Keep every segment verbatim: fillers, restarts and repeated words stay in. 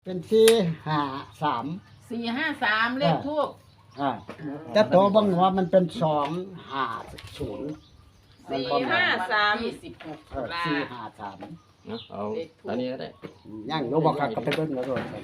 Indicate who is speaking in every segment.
Speaker 1: เป็นสี่ห้าสาม
Speaker 2: สี่ห้าสามเลขทูบ
Speaker 1: อ่าแต่ตัวเบางว่ามันเป็นสองห้าศูนย์
Speaker 2: สี่ห้าสามยี่สิบหก
Speaker 1: เอ
Speaker 2: ตุ
Speaker 1: อ
Speaker 2: ลา
Speaker 1: สี่ห้าสาม
Speaker 3: เนาะเอาอันนี้ก็ได้
Speaker 1: ย่างโนบอกก็ไปเบิ่งแล้วโดนกัน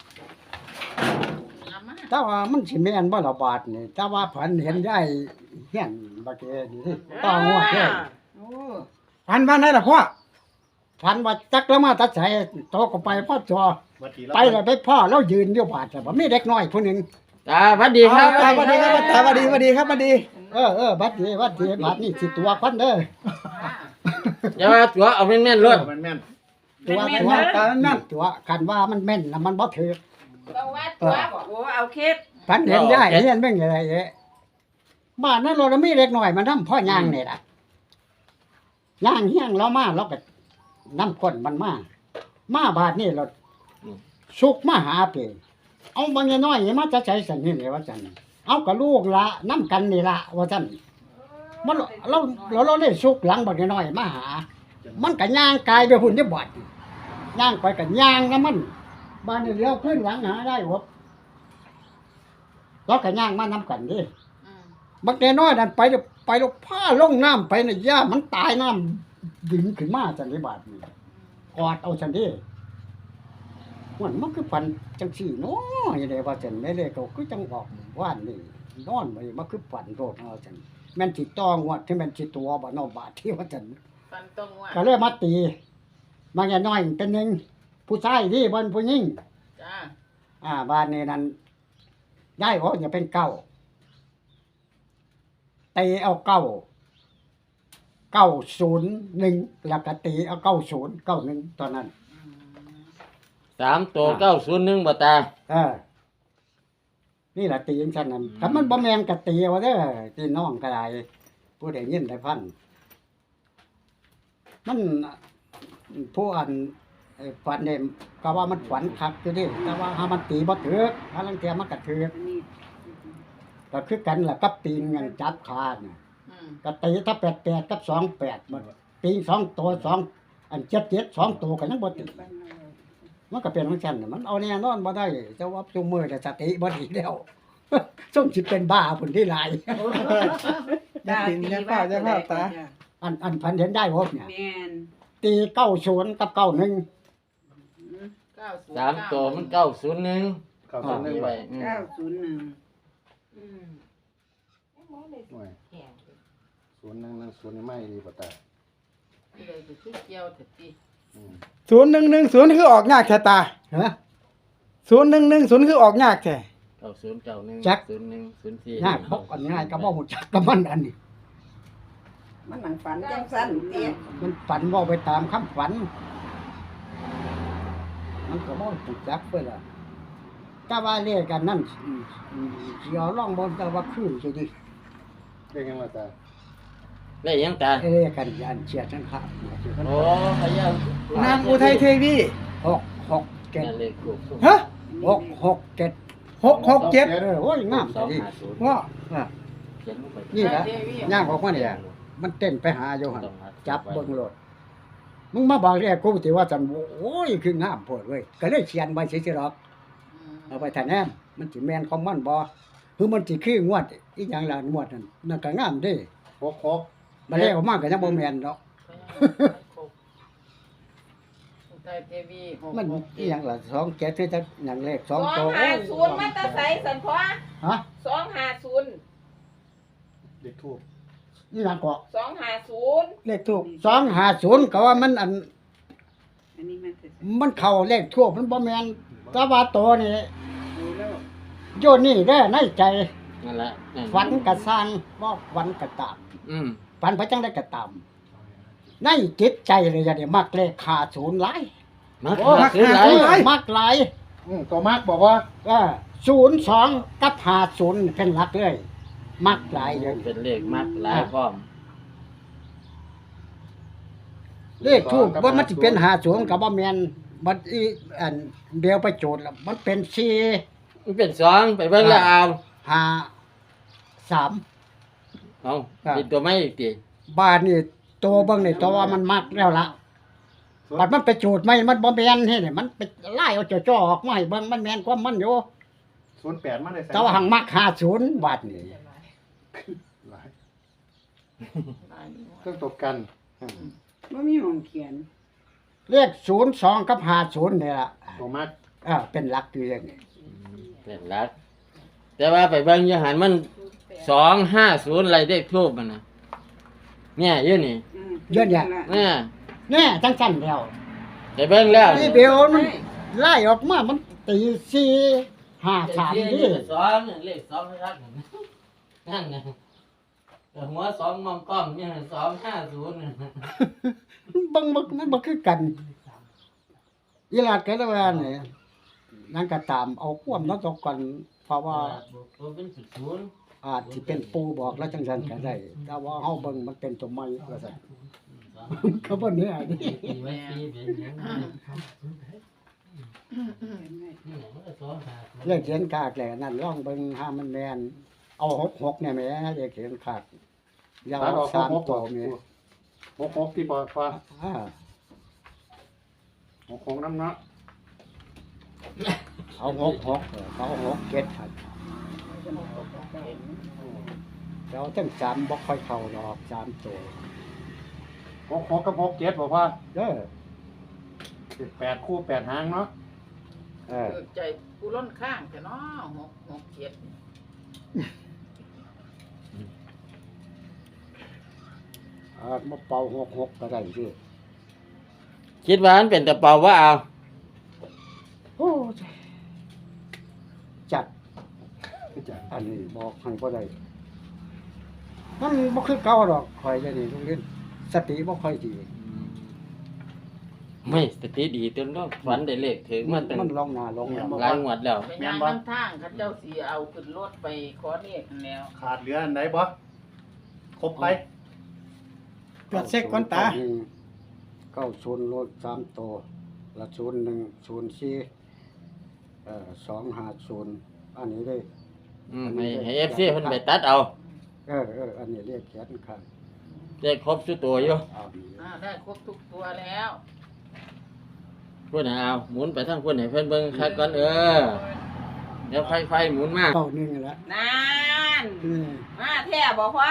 Speaker 2: เอามา
Speaker 1: แต่ว่ามันสิแม่นบ่ละบาทนี่แต่ว่าฝันเห็นยายเฮียนบักเอนี่ต้องงวดเด้อ
Speaker 2: โอ้
Speaker 4: พันพันได้ล่ะพ่อ
Speaker 1: ฝันว่าจักแล้วมาตัดสายโตก็ไปพ่อจอไปแล้วไปพ่อแล้วยืนอยู่บาดแต่ว่ามีเด็กน้อยผู้หนึง
Speaker 3: ตาสวัสดีครับ
Speaker 4: สวัสดีครับตาสวัสดีสวัสดีครับสวัสดี
Speaker 1: เออเออบัดนี้บัดนี้บัดนี้สิตัวคนเด้อ
Speaker 3: อย่าว่าตัวเอาแม่นๆรถ
Speaker 5: มันแม่น
Speaker 1: ตัวตัวตานั่นตัวคันว่ามันแม่นน่ะมันบ่ถือ
Speaker 2: ต้องวัดตัวบอกโอ้เอาเคส
Speaker 1: ฝันเห็นยายเฮียนเบิ่งอะไรเอ๊ะบ้านนั้นเรามีเด็กน้อยมันทำพ่อย่างนี่ล่ะย่างเฮียงเรามาเราก็นำคนมันมามาบาดนี้เราสุกมาหาเปเอาบางน้อยๆมาจะใช้สันนี่เลยว่าจันเอากับลูกละน้ำกันนี่ละว่าจันมันเราเราเราได้สุกหลังบางน้อยๆมาหา มันก็ย่างกายไปหุ่นได้บาดย่างไปกับย่างนะมันบ้านนี้เลี้ยวขึ้นหลังหาได้หบเราก็ย่างมาน้ำกันดิ
Speaker 2: อืม
Speaker 1: บักน้อยๆนั่นไปแล้วไปแล้วผ้าลงน้ำไปน่ะย่ามันตายน้ำดึงขึ้นมาจันได้บาดนี่กอดเอาจันดิมันมันคือฝันจังสี่เนาะอย่างไรว่าจันไม่เลยก็คือจังบอกว่านนี่นอนไปมันคือฝันโรดเอาจันแม่นสิต้องวดที่แม่นสิตัวบ่นอบาดที่ว่าจัน
Speaker 2: ฟันตรงว่ะ
Speaker 1: ก็เลยมาตีมาแก่น้อยเป็นหนึ่งผู้ชายที่บนผู้หญิง
Speaker 2: จ้า
Speaker 1: อ่าบ้านนี้นั้นย้ายออกอย่าเป็นเก้าตีเอาเก้าเก้าศูนย์หนึ่งแล้วก็ตีเอาเก้าศูนย์เก้าหนึ่งตอนนั้น
Speaker 3: สามตัวเก้าศูนย์หนึ่งบ่ตา
Speaker 1: เออนี่แหละตีอย่างฉันนั้นถ้ามันบ่แมงก็ตีเอาเด้อตีน้องก็ได้ผู้ใดยินได้พันมันผู้อันไอ้ฝันเนี่ยก็ว่ามันฝันคักอยู่ดิแต่ว่าหามันตีบ่ถึกหาลังเทียมันก็ถึกก็คือกันล่ะกับปีนเงินจับขาน่ะ
Speaker 2: อืม
Speaker 1: ก็ตีถ้าแปดแปดกับสองแปดมันปีนสองตัวสองอันเจ็ดเจ็ดสองตัวก็ยังบ่ตีมันก็เป็นของฉันน่ะมันเอาแน่นอนบ่ได้เจ้าว่าซุมื้อแต่สติบ่ดีแล้ว ส่งสิเป็นบ้าพุ่นที่หลาย
Speaker 4: อย่าปินอย่าเฝ้าอย่าเฝ้าตา
Speaker 1: อันอันพันเห็นได้บ่เนี่ย
Speaker 6: แม่น
Speaker 1: ตีเก้าศูนย์กับเก้าหนึ่ง
Speaker 2: เก้าศูนย์
Speaker 3: สามตัวมันเก้าศูนย์หนึ่ง
Speaker 5: เข้าตัวหนึง
Speaker 3: นี่
Speaker 5: ไป
Speaker 3: ไว้อืม
Speaker 6: เก้าศูนย์หนึ่ง
Speaker 2: อืม
Speaker 5: หน่วย
Speaker 2: แข็ง
Speaker 5: ศูนย์หนึ่งหนึ่งศูนย์นี่ไม่ดีป่ะตา
Speaker 2: ที่เลยจะขึ้นเกี่ยวเถิดที
Speaker 5: อืม
Speaker 4: ศูนย์หนึ่งหนึ่งศูนย์คือออกยากแท้ตา
Speaker 1: ฮะ
Speaker 4: ศูนย์หนึ่งหนึ่งศูนย์คือออกยากแท้
Speaker 3: เก้าศูนย์เก้าหนึ่ง
Speaker 1: จัก
Speaker 3: ศูนย์หนึ่งศูนย์สี่
Speaker 1: ง่ายบอกกันง่ายก็บ่ฮู้จักกับมันอันนี้
Speaker 6: มันหนังฝันจังสั้นเตี้ย
Speaker 1: มันฝันเว้าไปตามคำฝัน มันก็บ่ฮู้จักเพิ่นล่ะถ้าว่าเรียกกันนั่นอืมอืมสิเอาลองบ่แต่ว่าคือสิดิ
Speaker 5: เรียกยังไงตา
Speaker 3: ได้ยังตา
Speaker 1: เรียกกันอันเชียร์ทั้งข้าง
Speaker 3: โอ้พะเยาน
Speaker 4: างอุทัยเทวี
Speaker 1: หกหกเจ็ด
Speaker 3: นั่นเลขถูก
Speaker 4: ฮะ
Speaker 1: หกหกเจ็ด
Speaker 4: หกหกเจ็ด
Speaker 1: เออโอ้ยงาม
Speaker 3: สอง
Speaker 1: ดี
Speaker 3: ห้าศูนย์
Speaker 4: ว่า
Speaker 1: อ่ะ
Speaker 3: เขียนลงไป
Speaker 1: นี่แหละย่างออกมาเนี่ยมันเต้นไปหาอยู่หั่น
Speaker 3: ต้องหา
Speaker 1: จับเบิ่งโลดมึงมาบอกเรียกกูสิว่าจันโอ้ยคืองามโพดเว้ยก็เลยเขียนไว้ซื่อๆหรอก
Speaker 2: อืม
Speaker 1: เอาไปทานแนมมันสิแม่นของมันบ่คือมันสิคืองวดอีหยังล่ะงวดนั่นนั่นก็งามเด้
Speaker 5: หกหก
Speaker 1: มาแล้วออกมาก็ยังบ่แม่นดอก
Speaker 2: อุทัยเทวีหก
Speaker 1: มัน
Speaker 2: หก
Speaker 1: อีหยังล่ะสองเจ็ดคือจักหยังเลขส
Speaker 7: ส
Speaker 1: อ
Speaker 7: อง ง
Speaker 1: ตัว
Speaker 7: ห้าศูนย์มันตะใสสันพอ
Speaker 1: ฮะ
Speaker 7: สองห้าศูนย์
Speaker 5: เด็กทูบ
Speaker 1: อีหยังก็
Speaker 7: สองห้าศูนย์
Speaker 4: เลขถูก
Speaker 1: สองห้าศูนย์ก็ว่ามันอัน
Speaker 6: อันนี้มันจะ
Speaker 1: มันเข้าเลขทั่วมันบ่แม่นแต่ว่าตัวนี่
Speaker 6: ดูแล้ว
Speaker 1: โยนี่เด้อในใจ
Speaker 3: นั่นแหละนั่น
Speaker 1: ฝันกระสร้างบ่ฝันกระตาม
Speaker 3: อืม
Speaker 1: ฝันไปจังได้กระตามในจิตใจเลยอย่าได้มักเลขห้าศูนย์หลาย
Speaker 3: มา
Speaker 1: โอ้
Speaker 3: หาซื้อหลาย
Speaker 1: เออมักหลาย
Speaker 5: อืมตัวมากบอกว่า
Speaker 1: เออศูนย์สองกับห้าศูนย์เป็นหลักเลย มักหลายเลย
Speaker 3: เป็นเลขมากหลายพร้อม
Speaker 1: เลขทูบว่ามันสิเป็นห้าศูนย์กับบ่แม่นมันอีอันเดียวไปโจทย์แล้วมันเป็นสี่
Speaker 3: มันเป็นสองไปเบิ่งแล้วเอา
Speaker 1: ห้าสาม
Speaker 3: เอา
Speaker 1: ครับ
Speaker 3: เป็นตัวไม่อีกที
Speaker 1: บ้านนี่ตัวเบิ่งนี่ตัวว่ามันมักแล้วล่ะบัดมันไปจูดไม่มันบ่แม่นเฮ็ดให้มันไปไล่เอาจ่อๆออกมาให้เบิ่งมันแม่นความมันอยู่
Speaker 5: ศูนย์แปดมาได้ใส่
Speaker 1: แต่ว่าหังมักห้าสิบบาทนี่
Speaker 5: หลาย
Speaker 2: หลายอยู่
Speaker 5: เครื่องตกกันอืม
Speaker 6: บ่มีหม้องเขียน
Speaker 1: เลขศูนย์สองกับห้าสิบนี่ล่ะ
Speaker 5: ตัวมัก
Speaker 1: อ่าเป็นหลักอยู่อย่างนี้
Speaker 3: เป็นหลัก แต่ว่าไปเบิ่งอยู่หันมันสองห้าศูนย์อะไรเลขทูบมันนะเนี่ยอยู่นี่
Speaker 6: อืม
Speaker 1: เยอะแยะ
Speaker 3: เนี่ย
Speaker 1: แน่จังสั่นแล้ว
Speaker 3: ไปเบิ่งแล้ว
Speaker 1: นี่เบลมันไล่ออกมามันตีสี่ห้าสามนี่
Speaker 3: สองเลขสองรักนั่นนะแต่หัวสองมองกล้องเนี่ยสองห้าศูนย์
Speaker 1: บังมันมันบ่คือกันอีหลาดก็แล้วว่านี่นั่นก็ตามเอาความนั้นตกกันเพราะว่า
Speaker 3: ตัวเป็นศูนย์
Speaker 1: อาจสิเป็นปูบอกแล้วจังซั่นก็ได้แต่ว่าเฮาเบิ่งมันเป็นตัวใหม่ว่าซั่นเขาบ่แน่ดิ
Speaker 3: ตีไว้ตีเป็นอย่างนั้นนี่มันก็สองห้าศูนย์
Speaker 1: เลขเขียนกากแหละนั่นลองเบิ่งหามันแม่นเอาหกหกเนี่ยแหมเลขเขียนกากอยาว
Speaker 5: ตัดออก
Speaker 1: สาม
Speaker 5: หก
Speaker 1: ตั
Speaker 5: ตัว ว
Speaker 1: แม่
Speaker 5: หกหกที่ปอฟ้า
Speaker 1: อ่า
Speaker 5: หกหกน้ำเนาะ
Speaker 1: เอาหกหกเออเขาเอาหกเจ็ดครับแล้วตั้งสามบ่ค่อยเข้าดอกสามตัว
Speaker 5: หกหกกับหกเจ็ดบอกว่า
Speaker 1: เด้อ
Speaker 5: แปดคู่แปดหางเนาะ
Speaker 1: เออ
Speaker 2: เออใจกูล้นข้างแต่เนาะหกหกเจ็ด
Speaker 1: เออมาเป่าหกหกก็ได้ดิ
Speaker 3: คิดว่ามันเป็นตะเปาว่าเอา
Speaker 1: โอ้ยจัด
Speaker 5: คือจัง
Speaker 1: อันนี้บอกให้บ่ได้มันบ่คือเก่าดอกคอยจะนี่ทุกเรื่องสติบ่ค่อยดี
Speaker 3: ไม่สติดีจนต้องฝันได้เลขถึงมันตั้ง
Speaker 1: มันลองหน้าลงหลัง
Speaker 3: หลายงวดแล้ว
Speaker 2: ไปย่างน้ำทางเขาเจ้าสีเอาขึ้นรถไปขอเรียกนั่นแล้ว
Speaker 5: ขาดเหลืออันไหนบ่ครบไป
Speaker 4: ตรวจเช็คก่อนตา
Speaker 1: เก้าศูนย์รถสามตัวละศูนย์หนึ่งศูนย์สี่เอ่อสองห้าศูนย์อันนี้เลย
Speaker 3: อืมให้ให้ เอฟ ซี เพิ่นไปตัดเอา
Speaker 1: เออเอออันนี้เรียกแขนข้าง
Speaker 3: ได้ครบทุกตัวอยู่
Speaker 1: เอาดี
Speaker 2: อ่าได้ครบทุกตัวแล้ว
Speaker 3: พุ่นให้เอาหมุนไปทางพุ่นให้เพิ่นเบิ่งคักก่อนเออเดี๋ยวไฟไฟหมุนมา
Speaker 1: เก้าหนึ่งแล้ว
Speaker 7: นาน
Speaker 1: อืม
Speaker 7: มาแท้บอกว่า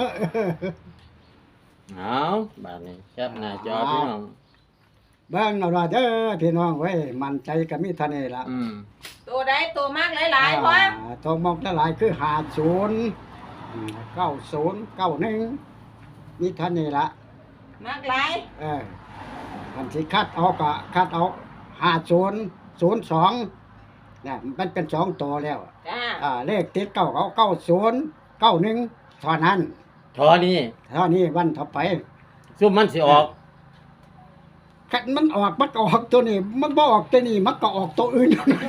Speaker 3: เอาบาดนี้แคปหน้าจอพี่น้อง
Speaker 1: เบิ่งเอาล่ะเด้อพี่น้องเว้ยมั่นใจก็มีเท่านี้ล่ะ
Speaker 3: อืม
Speaker 7: ตัวใดตัวมากหลายๆเพราะ
Speaker 1: อ่าตัวมองหลายๆคือห้าศูนย์เก้าศูนย์เก้าหนึ่งมีเท่านี้ล่ะ
Speaker 7: มากหลาย
Speaker 1: เอออันที่คัดเอาก็คัดเอาห้าศูนย์ศูนย์สองเนี่ยมันเป็นสองตัวแล้ว
Speaker 7: จ้า
Speaker 1: อ่าเลขติดเก้าเขาเก้าศูนย์เก้าหนึ่งเท่านั้น
Speaker 3: ทอนี้
Speaker 1: เท่านี้วันต่อไป
Speaker 3: ซุ่มมันสิออก
Speaker 1: คันมันออกมันก็ออกตัวนี้ มันบ่ออกตัวนี้มันก็ออกตัวอื่น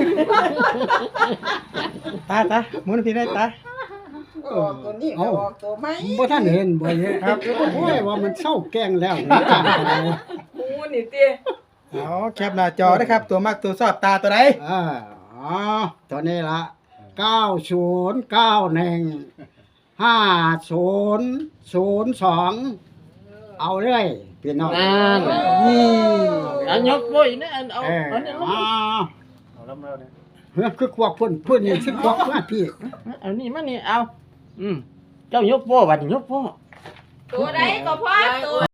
Speaker 4: ตาตาหมุนพี่ได้ตา
Speaker 6: ออกตัวนี้ก็ออกตัวใหม่
Speaker 1: บ่ท่านเห็นบ่เห็นครับโอ้ยว่ามันเศร้าแกล้งแล้วนี่จ้างอะไร
Speaker 7: หมูนี่ติ
Speaker 4: เอาแคปหน้าจอนะครับ ตัวมากตัวชอบตาตัวใด
Speaker 1: อ่าอ๋อตัวนี้ละเก้าศูนย์เก้าหนึ่งห้าศูนย์ศูนย์สองเอาเลยพี่น้อง
Speaker 3: นั่น
Speaker 4: นี่
Speaker 3: อันยกบ่อยนะอันเอา
Speaker 1: เออ
Speaker 3: อันนี้ลง
Speaker 1: อ๋อ
Speaker 5: เอาแล้วแล้วเนี่ย
Speaker 1: เฮ้ยคือควักพุ่นพุ่นนี่คือควักมาพี่
Speaker 3: เอานี่มานี่เอา อืมเจ้ายกโป้บัดนี้ยกโป้
Speaker 7: ตัวใดก็พอตัว